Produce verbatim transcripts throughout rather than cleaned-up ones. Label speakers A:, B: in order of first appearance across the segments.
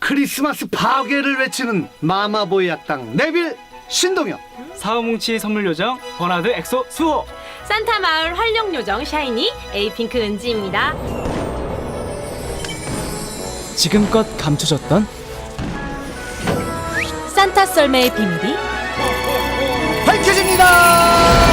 A: 크리스마스 파괴를 외치는 마마보이 악당 네빌 신동엽,
B: 사우뭉치 선물 요정 버나드 엑소 수호,
C: 산타 마을 활력 요정 샤이니 에이핑크 은지입니다.
B: 지금껏 감춰졌던
C: 산타 썰매의 비밀이
A: 밝혀집니다.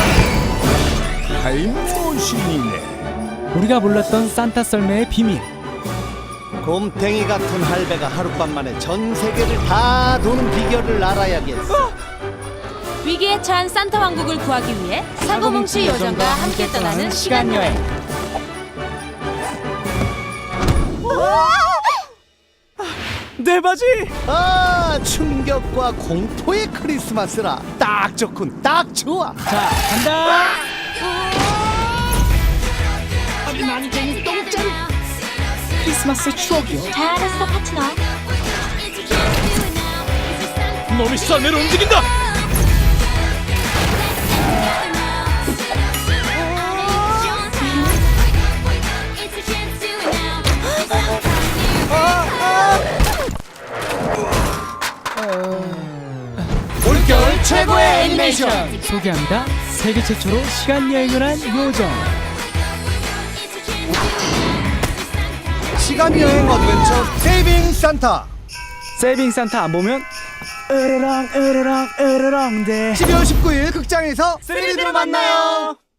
D: 타임머신이네.
B: 우리가 몰랐던 산타 썰매의 비밀.
A: 곰탱이 같은 할배가 하룻밤 만에 전 세계를 다 도는 비결을 알아야겠어.
C: 위기에 처한 산타 왕국을 구하기 위해 사고뭉치 요정과 함께 떠나는 시간 여행.
B: 내 바지!
A: 아, 충격과 공포의 크리스마스라 딱 좋군, 딱 좋아.
B: 자, 간다! 크리스마스 추억이요.
C: 잘했어 파트너.
B: 놈이 썰매로 움직인다!
A: 올겨울 최고의 애니메이션
B: 소개합니다. 세계 최초로 시간 여행을 한 요정.
A: 시간 여행 어드벤처 세이빙 산타.
B: 세이빙 산타 안 보면 으르렁 으르렁 으르렁 대
A: 십이월 십구일 극장에서 쓰리디로 만나요.